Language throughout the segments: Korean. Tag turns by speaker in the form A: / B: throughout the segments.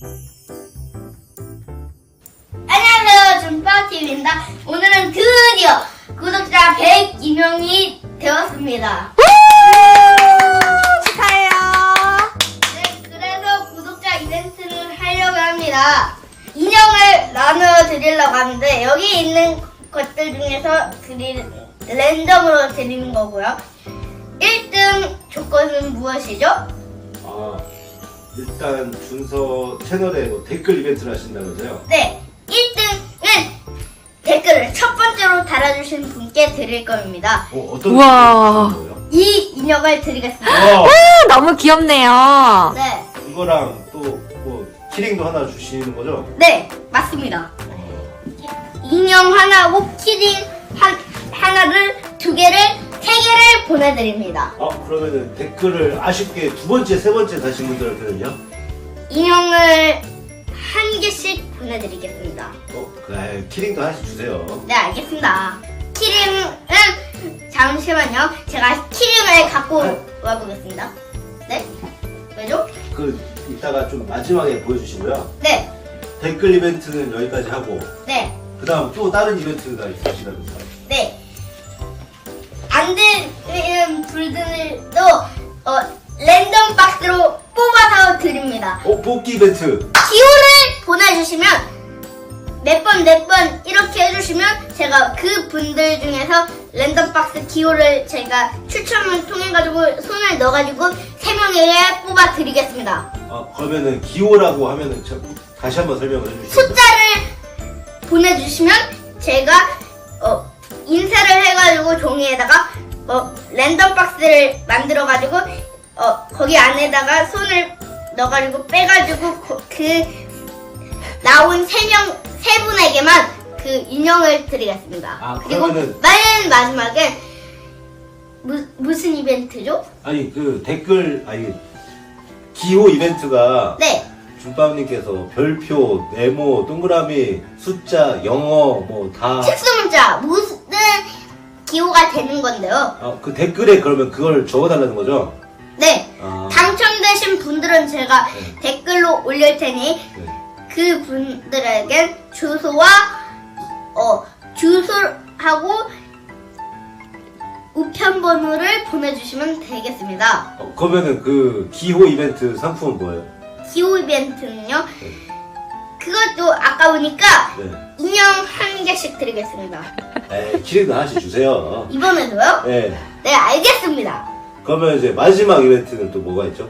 A: 안녕하세요, 준빠TV입니다. 오늘은 드디어 구독자 102명이 되었습니다.
B: 축하해요.
A: 네, 그래서 구독자 이벤트를 하려고 합니다. 인형을 나눠 드리려고 하는데 여기 있는 것들 중에서 랜덤으로 드리는 거고요. 1등 조건은 무엇이죠?
C: 일단 준서 채널에 뭐 댓글 이벤트를 하신다면서요?
A: 네, 1등은 댓글을 첫 번째로 달아주신 분께 드릴 겁니다.
C: 어떤
B: 우와.
C: 거예요?
A: 이 인형을 드리겠습니다.
C: 와,
B: 너무 귀엽네요.
A: 네,
C: 이거랑 또 뭐 키링도 하나 주시는 거죠?
A: 네, 맞습니다. 인형 하나고 키링 하나를 2개를 3개를 보내드립니다.
C: 그러면은 댓글을 아쉽게 두 번째, 세 번째 다신 분들한테는요?
A: 인형을 1개씩 보내드리겠습니다.
C: 그래, 키링도 하나씩 주세요.
A: 네, 알겠습니다. 키링은 잠시만요. 제가 키링을 갖고 와보겠습니다. 네, 왜죠?
C: 이따가 좀 마지막에 보여주시고요.
A: 네,
C: 댓글 이벤트는 여기까지 하고
A: 네,
C: 그 다음 또 다른 이벤트가 있으시다면서요?
A: 네. 안 되는 분들도 랜덤 박스로 뽑아서 드립니다.
C: 뽑기 이벤트!
A: 기호를 보내주시면 몇 번 이렇게 해주시면 제가 그 분들 중에서 랜덤 박스 기호를 제가 추첨을 통해가지고 손을 넣어가지고 3명에게 뽑아 드리겠습니다.
C: 그러면은 기호라고 하면은 다시 한번 설명을 해주시죠.
A: 숫자를 보내주시면 제가 인쇄를 해가지고 종이에다가 랜덤 박스를 만들어가지고 거기 안에다가 손을 넣어가지고 빼가지고 그 나온 세 분에게만 그 인형을 드리겠습니다. 그리고
C: 그러면은
A: 맨 마지막에 무슨 이벤트죠?
C: 기호 이벤트가
A: 네,
C: 준빵님께서 별표, 네모, 동그라미, 숫자, 영어 뭐 다
A: 특수문자 무슨 기호가 되는 건데요.
C: 그 댓글에 그러면 그걸 적어달라는 거죠?
A: 네,
C: 아,
A: 당첨되신 분들은 제가
C: 네.
A: 댓글로 올릴 테니
C: 네.
A: 그 분들에겐 주소와 주소하고 우편번호를 보내주시면 되겠습니다.
C: 그러면은 그 기호 이벤트 상품은 뭐예요?
A: 기호 이벤트는요.
C: 네.
A: 그것도 아까우니까
C: 네.
A: 인형 1개씩 드리겠습니다.
C: 키링도 하나씩 주세요.
A: 이번에도요?
C: 네.
A: 네, 알겠습니다.
C: 그러면 이제 마지막 이벤트는 또 뭐가 있죠?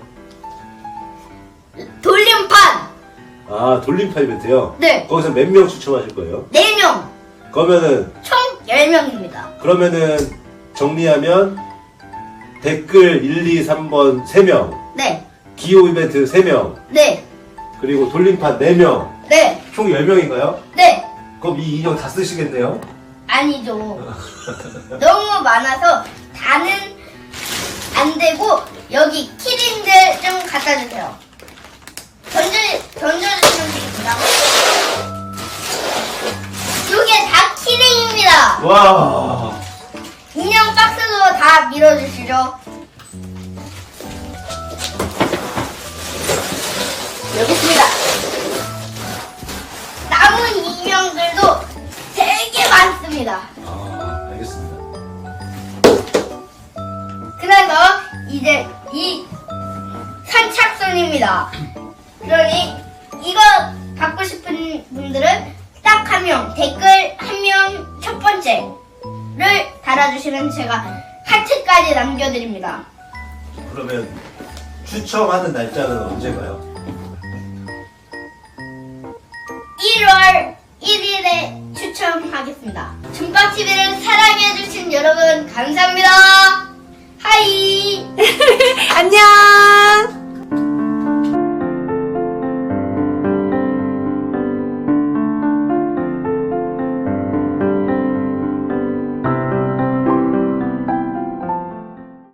A: 돌림판
C: 돌림판 이벤트요?
A: 네,
C: 거기서 몇 명 추첨하실 거예요?
A: 4명
C: 그러면은
A: 총 10명입니다.
C: 정리하면 댓글 1, 2, 3번 3명,
A: 네,
C: 기호 이벤트 3명,
A: 네,
C: 그리고 돌림판 4명,
A: 네,
C: 총 10명인가요?
A: 네.
C: 그럼 이 인형 다 쓰시겠네요?
A: 아니죠. 너무 많아서 다는 안 되고 여기 키링들 좀 갖다 주세요. 던져주시면 되겠습니다. 이게 다 키링입니다.
C: 와,
A: 인형 박스도 다 밀어주시죠. 여기 있습니다. 남은 인형들도 되게 많습니다.
C: 알겠습니다.
A: 그래서 이제 이 선착순입니다. 그러니 이거 받고 싶은 분들은 딱 1명, 댓글 1명 첫 번째를 달아주시면 제가 하트까지 남겨드립니다.
C: 그러면 추첨하는 날짜는 언제가요?
A: 1월 1일에 추첨하겠습니다. 준빠TV를 사랑해주신 여러분 감사합니다. 하이!
B: 안녕.